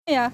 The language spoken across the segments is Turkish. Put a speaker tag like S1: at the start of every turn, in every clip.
S1: Ya.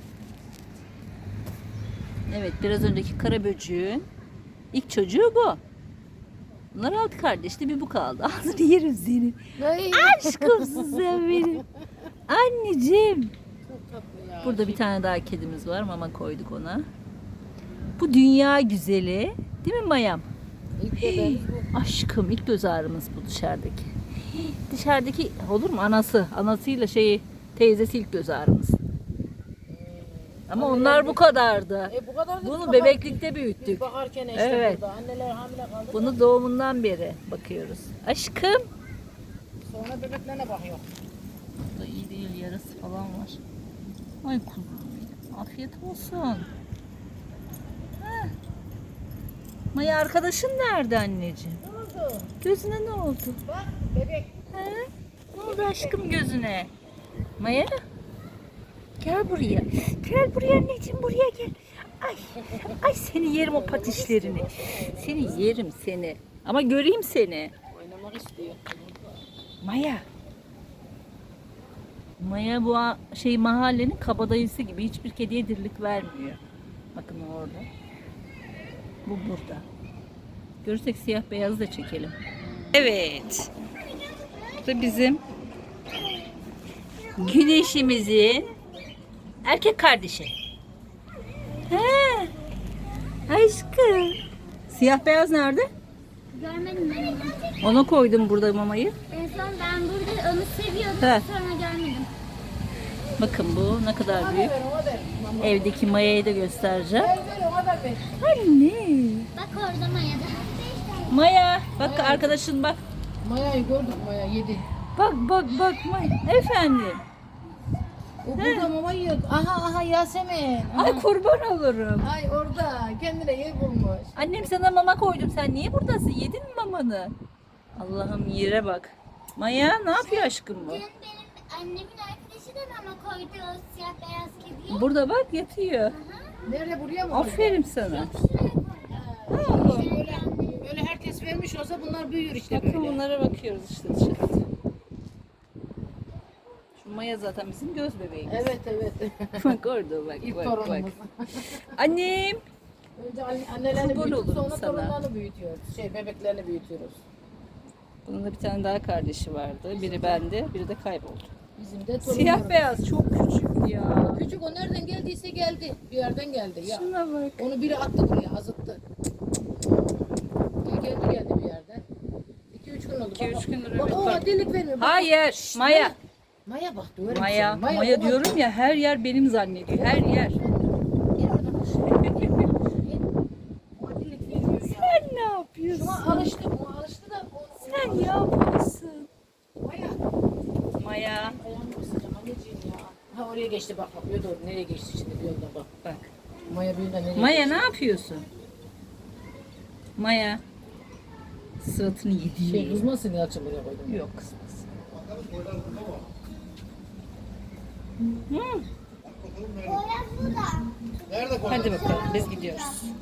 S1: Evet, biraz önceki kara böcüğün ilk çocuğu bu. Bunlar altı kardeşti, bir bu kaldı. Ağzını yerim seni. Aşkımsın sen benim. Anneciğim. Burada bir tane daha kedimiz var. Mama koyduk ona. Bu dünya güzeli. Değil mi Mayam? Aşkım, ilk göz ağrımız bu dışarıdaki. Dışarıdaki olur mu? Anasıyla teyzesi ilk göz ağrımız. Ama onlar bu kadardı.
S2: Bu kadar
S1: Bunu bebeklikte büyüttük.
S2: Biz bakarken işte
S1: Evet.
S2: burada anneler hamile kaldı.
S1: Bunu doğumundan beri bakıyoruz. Aşkım.
S2: Sonra bebeklerine bakıyor.
S1: Bu da iyi değil, yarası falan var. Ay kuzum benim. Afiyet olsun. Heh. Maya arkadaşın nerede anneciğim?
S2: Ne oldu?
S1: Gözüne ne oldu?
S2: Bak bebek.
S1: He? Ne oldu aşkım gözüne? Maya? Gel buraya. Gel buraya anneciğim, buraya gel. Ay, ay seni yerim o patişlerini. Seni yerim seni. Ama göreyim seni.
S2: Oynamak istiyor.
S1: Maya. Maya bu mahallenin kabadayısı gibi hiçbir kediye dirlik vermiyor. Bakın orada. Bu burada. Görürsek siyah beyazı da çekelim. Evet. Bu da bizim güneşimizin erkek kardeşi. He. Aşkım. Siyah beyaz nerede?
S3: Görmedim ben onu.
S1: Ona koydum burada mamayı.
S3: En son ben burada onu seviyordum.
S1: He.
S3: Sonra görmedim.
S1: Bakın bu ne kadar büyük.
S2: Ona ver.
S1: Evdeki Maya'yı da göstereceğim.
S2: Ver ona da ver.
S1: Anne.
S3: Bak orada Maya'da.
S1: Maya. Bak arkadaşın bak.
S2: Maya'yı gördük, Maya yedi.
S1: Bak Maya. Efendim.
S2: O burada mama yiyor. Aha Yasemin. Aha.
S1: Ay kurban olurum.
S2: Ay orada kendine yer bulmuş.
S1: Annem sana mama koydum. Sen niye buradasın? Yedin mi mamanı? Allah'ım yere bak. Maya ne yapıyor aşkım bu?
S3: Dün benim annemin arkadaşı da mama koydu o siyah beyaz kediye.
S1: Burada bak yatıyor.
S2: Nerede buraya mı?
S1: Aferin sana.
S3: Şuraya koydu.
S2: Böyle herkes vermiş olsa bunlar büyür işte
S1: Bakın
S2: böyle.
S1: bunlara bakıyoruz işte dışarıda. Şu Maya zaten bizim göz bebeğimiz.
S2: Evet.
S1: Bak orada bak
S2: İlk
S1: bak.
S2: torunumuz.
S1: Annem.
S2: Önce annelerini
S1: Kurban
S2: büyütüp
S1: olurum
S2: sonra
S1: sana.
S2: torunlarını büyütüyoruz. Bebeklerini büyütüyoruz.
S1: Bunun da bir tane daha kardeşi vardı. Biri bende, biri de kayboldu.
S2: Bizim de torunlarımız.
S1: Siyah beyaz çok küçük ya.
S2: Küçük o nereden geldiyse geldi. Bir yerden geldi. Ya.
S1: Şuna bak.
S2: Onu biri attı buraya, azıttı. Geldi bir yerden. 2-3 gün oldu.
S1: 2-3 gündür
S2: Bak,
S1: evet,
S2: o
S1: bak.
S2: delik vermiyor. Bak.
S1: Hayır, Maya.
S2: Maya bak diyorum
S1: Maya,
S2: sana.
S1: Maya
S2: o
S1: diyorum ya, her yer benim zannediyor. Her yer.
S2: Gel oradan bak. O delik vermiyor ya.
S1: Sen ne yapıyorsun?
S2: Şuna alıştı. O alıştı da.
S1: Sen ne yapıyorsun?
S2: Maya.
S1: Maya.
S2: Ayağımı ısıracağım anneciğim ya. Ha oraya geçti bak. Bakıyor doğru. Nereye geçti şimdi bir yolda bak.
S1: Bak.
S2: Maya bir nereye
S1: Maya ne yapıyorsun? Maya. Sıratını yedi.
S2: Kızmasın Yalçın buraya koydum.
S1: Yok kızmasın.
S3: Poyraz burada.
S1: Hadi bakalım biz gidiyoruz.